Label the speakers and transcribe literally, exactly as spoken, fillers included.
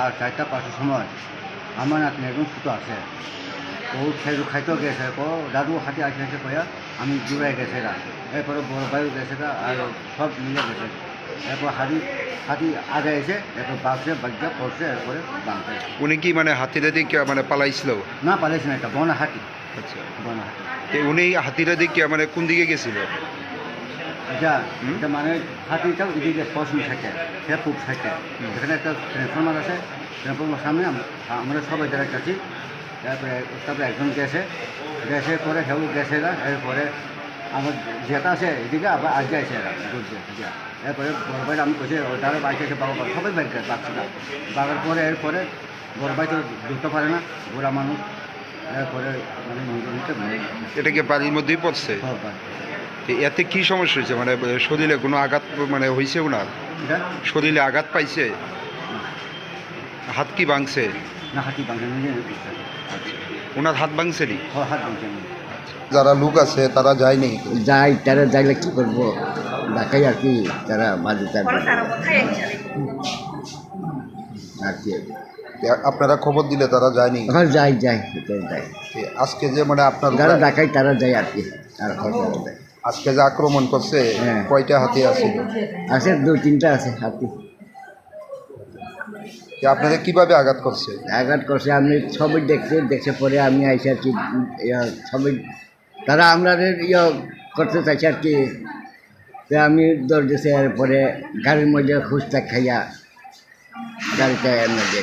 Speaker 1: চারটা পাঁচটার সময় আমার নাতনি একদম ছোটো আছে ও খাইতে খাইতেও গেছে ও দাদু হাতে আসে আসে কয়া আমি দূরাই গেছে গা এরপরে বড় ভাইও গেছে গা আর সব মিলে গেছে এরপর হাতি হাতি আগে এসে এরপর বাঘছে বাঘটা পড়ছে এরপরে বাঁধছে।
Speaker 2: উনি কি মানে হাতিটা দিকে মানে পালাইছিল?
Speaker 1: না পালাইছে না, এটা বনা হাতি।
Speaker 2: আচ্ছা,
Speaker 1: বনা হাতি।
Speaker 2: তো উনি হাতিটা দিকে মানে কোন দিকে গেছিল?
Speaker 1: এটা এটা মানে হাতিটাও এদিকে পশ্চিম থাকে, সে পূব থাকে। এখানে একটা ট্রান্সফর্মার আছে, ট্রান্সফর্মার সামনে আমরা সবাই যারা কাছি। তারপরে তারপরে একজন গেছে, গ্যাসের পরে হেউ গেছে না, এরপরে আমার যেটা আছে এদিকে আবার আগে আছে এরা ঘুরছে। এরপরে বড় ভাই আমি কইছি ওটারও বাইক আছে বাবা সবাই বাইক পাচ্ছি না। বাগার পরে এরপরে বড় ভাই তো ঢুকতে পারে না, বুড়া মানুষ। এরপরে মানে মন্দিরটা
Speaker 2: এটা কি বাড়ির মধ্যেই পড়ছে? তো এতে কি সমস্যা হয়েছে? মানে শরীরে কোনো আঘাত মানে হয়েছে ওনার? শরীরে আঘাত পাইছে? হাত কি ভাঙছে?
Speaker 1: না, হাতি ভাঙছে নিজে।
Speaker 2: ওনার হাত ভাঙছে নি?
Speaker 1: হাত ভাঙছে।
Speaker 2: যারা লোক আছে তারা যায়নি?
Speaker 1: যাই, তারা যাইলে কী করবো, দেখাই আর কি, তারা মাঝে থাকবে আর কি।
Speaker 2: আপনারা খবর দিলে তারা যায়নি?
Speaker 1: এখন যাই যাই যাই
Speaker 2: আজকে যে মানে আপনার
Speaker 1: যারা দেখাই তারা যায় আর কি। আর যায়
Speaker 2: আজকে যে আক্রমণ করছে কয়টা হাতি আছে?
Speaker 1: আছে দুই তিনটা আছে হাতি।
Speaker 2: আপনাদের কিভাবে আঘাত করছে?
Speaker 1: আঘাত করছে আমি সবই দেখছি, দেখছে পরে আমি আইসি আর কি সবই তারা আমরা ইয়ে করতে চাইছে আর কি। আমি দৌড় দিয়েছি, এরপরে গাড়ির মধ্যে খুঁজতে খাইয়া গাড়িটা এনে